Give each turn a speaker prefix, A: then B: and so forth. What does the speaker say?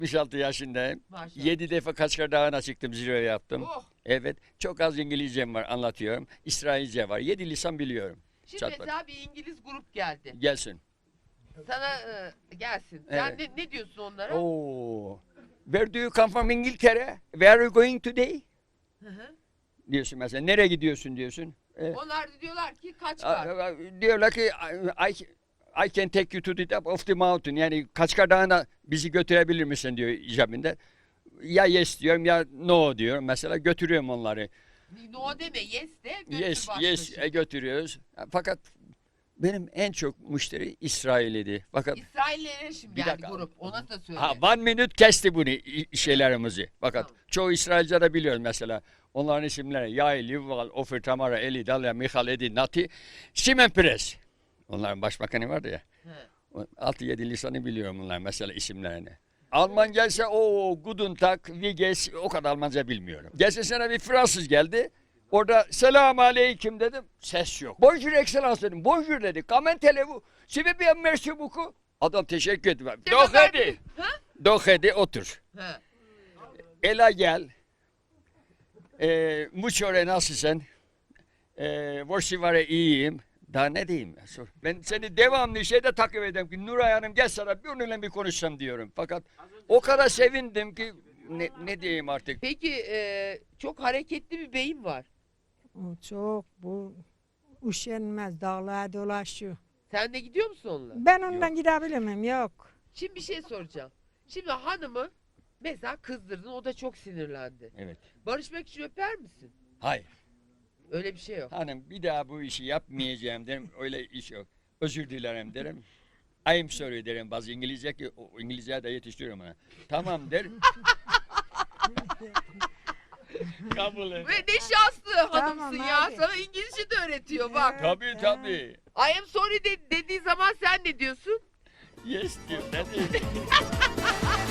A: 66 yaşındayım.
B: Maşallah.
A: 7 defa Kaçkar Dağı'na çıktım, zirve yaptım.
B: Oh.
A: Evet, çok az İngilizcem var, anlatıyorum. İsrailce var, 7 lisan biliyorum.
B: Şimdi
A: Çat
B: mesela bir İngiliz grup geldi.
A: Gelsin.
B: Sana gelsin. Sen
A: Evet.
B: ne diyorsun onlara?
A: Oo. Where do you come from İngiltere? Where are you going today?
B: Hı hı.
A: Diyorsun mesela. Nereye gidiyorsun diyorsun.
B: Onlar da diyorlar ki Kaçkar.
A: Diyorlar ki I can take you to the top of the mountain. Yani Kaçkar Dağı'na bizi götürebilir misin diyor icabında. Ya yes diyorum ya no diyorum. Mesela götürüyorum onları.
B: No deme, yes de götür
A: Yes,
B: başla
A: yes
B: şimdi.
A: götürüyoruz. Fakat benim en çok müşteri İsrail'iydi. Fakat
B: İsraillere şimdi
A: Bir
B: geldi
A: dakika.
B: grup. Ona da söyle.
A: one minute kesti bunu şeylerimizi. Fakat
B: Tamam.
A: çoğu İsrailce de biliyoruz mesela. Onların isimleri Yael, Yuval, Ofer, Tamara, Eli, Dalia, Michal, Edi, Nati, Simen Peres. Onların başbakanı vardı ya.
B: He.
A: 6-7 lisanı biliyorum bunlar mesela isimlerini. Almanca ise o Guten Tag, wie geht's, o kadar Almanca bilmiyorum. Geçen sene bir Fransız geldi. Orada selam aleyküm dedim. Ses yok. Bonjour excellence dedim. Bonjour dedi. Comment allez-vous? C'est bien merci beaucoup. Adam teşekkür etti. Doch hadi.
B: Ha?
A: Doch hadi otur.
B: He.
A: Ela gel. Muçore nasılsın? Vorsivare iyiyim. Daha ne diyeyim? Ben seni devamlı şeyde takip ediyorum ki Nuray Hanım gel sana bir onunla bir konuşsam diyorum. Fakat o kadar sevindim ki ne diyeyim artık.
B: Peki çok hareketli bir beyin var.
C: O çok bu üşenmez dağlara dolaşıyor.
B: Sen de gidiyor musun onunla?
C: Ben ondan gidebilir miyim? Yok.
B: Şimdi bir şey soracağım. Şimdi hanımı mesela kızdırdın, o da çok sinirlendi.
A: Evet.
B: Barışmak için öper misin?
A: Hayır.
B: Öyle bir şey yok.
A: Hanım bir daha bu işi yapmayacağım derim. Öyle iş yok. Özür dilerim derim. I'm sorry derim. Bazı İngilizce ki o İngilizce de yetiştiriyorum ona. Tamam der. Kabul et.
B: Ve ne şanslı hanımsın
C: Tamam
B: ya.
C: abi.
B: Sana İngilizce de öğretiyor bak.
A: Tabii tabii.
B: I am sorry dediği zaman sen ne diyorsun?
A: Yes diyor. Ne diyeyim?